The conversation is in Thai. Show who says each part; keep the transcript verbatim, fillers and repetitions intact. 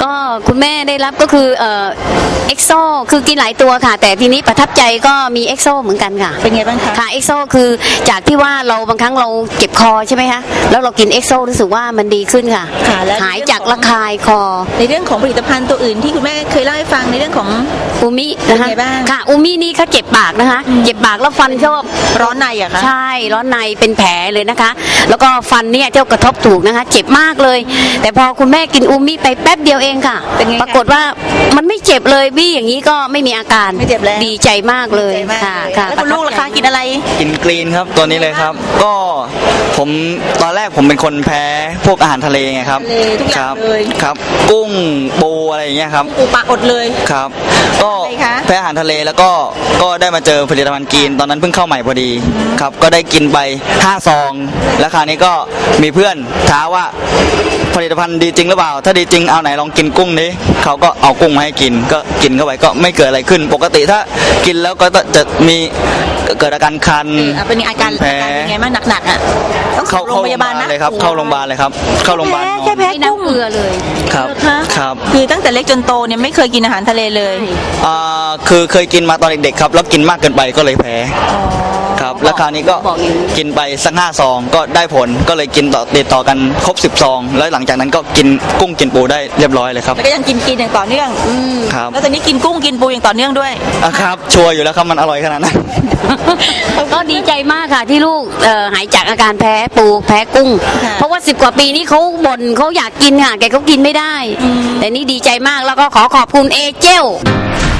Speaker 1: ก็คุณแม่ได้รับก็คือเอ่อเอ็กโซคือกินหลายตัวค่ะแต่ทีนี้ประทับใจก็มีเอ็กโซเหมือนกันค่ะ
Speaker 2: เป็นไงบ้างคะ
Speaker 1: ค่ะเอ็กโซคือจากที่ว่าเราบางครั้งเราเจ็บคอใช่ไหมคะแล้วเรากินเอ็กโซรู้สึกว่ามันดีขึ้นค่ะหายจากระคายคอ
Speaker 2: ในเรื่องของผลิตภัณฑ์ตัวอื่นที่คุณแม่เคยเล่าให้ฟังในเรื่องของ
Speaker 1: อูมินะคะค่ะอูมินี่เขาเจ็บปากนะคะเจ็บปากแล้วฟันชอบ
Speaker 2: ร้อนในอะคะ
Speaker 1: ใช่ร้อนในเป็นแผลเลยนะคะแล้วก็ฟันเนี่ยเจ้ากระทบถูกนะคะเจ็บมากเลยแต่พอคุณแม่กินอูมิไปแป๊บเดียวเองค่ะปรากฏว่ามันไม่เจ็บเลยบี้อย่างนี้ก็ไม่มีอาการ
Speaker 2: ไม่เจ็บแล้ว
Speaker 1: ดีใจมากเลยค่ะค่ะ
Speaker 2: แล้วคุณลูกล่ะคะกินอะไร
Speaker 3: กินกรีนครับตัวนี้เลยครับก็ผมตอนแรกผมเป็นคนแพ้พวกอาหารทะเลไงครับ
Speaker 2: ครับ
Speaker 3: ครับกุ้งปูอะไรอย่างเงี้ยครับ
Speaker 2: ปูปลาอดเลย
Speaker 3: ครับก็แพ้อาหารทะเลแล้วก็ก็ได้มาเจอผลิตภัณฑ์กรีนตอนนั้นเพิ่งเข้าใหม่พอดีครับก็ได้กินไปห้าซองแล้วคราวนี้ก็มีเพื่อนท้าว่าผลิตภัณฑ์ดีจริงหรือเปล่าถ้าดีจริงเอาไหนลองกินกุ้งนี้เขาก็เอากุ้งมาให้กินก็กินเข้าไปก็ไม่เกิดอะไรขึ้นปกติถ้ากินแล้วก็จะมีเกิดอาการคัน
Speaker 2: เป็นอาการแพ้ยังไงบ้างหนักๆอ่ะต้องเข้าโรงพยาบาลนะ
Speaker 3: เลยครับเข้าโรงพยาบาลเลยครับเข้าโรงพยาบาล
Speaker 2: แค่แพ้กุ้ง
Speaker 1: เกลือเลย
Speaker 3: ครับครับ
Speaker 2: คือตั้งแต่เล็กจนโตเนี่ยไม่เคยกินอาหารทะเลเลย
Speaker 3: อ่าคือเคยกินมาตอนเด็กๆครับแล้วกินมากเกินไปก็เลยแพ้ครับแล้วคราวนี้ก็กินไปสักห้าซองก็ได้ผลก็เลยกินต่อติดต่อกันครบสิบซองแล้วหลังจากนั้นก็กินกุ้งกินปูได้เรียบร้อยเลยครับ
Speaker 2: แล้วก็ยังกินกินอย่างต่อเนื่อง
Speaker 3: ครับ
Speaker 2: แล้วตอนนี้กินกุ้งกินปูอย่างต่อเนื่องด้วย
Speaker 3: อ่ะครับชัวร์อยู่แล้วครับมันอร่อยขนาดนั้น
Speaker 1: ก็ดีใจมากค่ะที่ลูกหายจากอาการแพ้ปูแพ้กุ้งเพราะว่าสิบกว่าปีนี้เขาบ่นเขาอยากกินค่ะแกเขากินไม่ได้แต่นี่ดีใจมากแล้วก็ขอขอบคุณเอเจล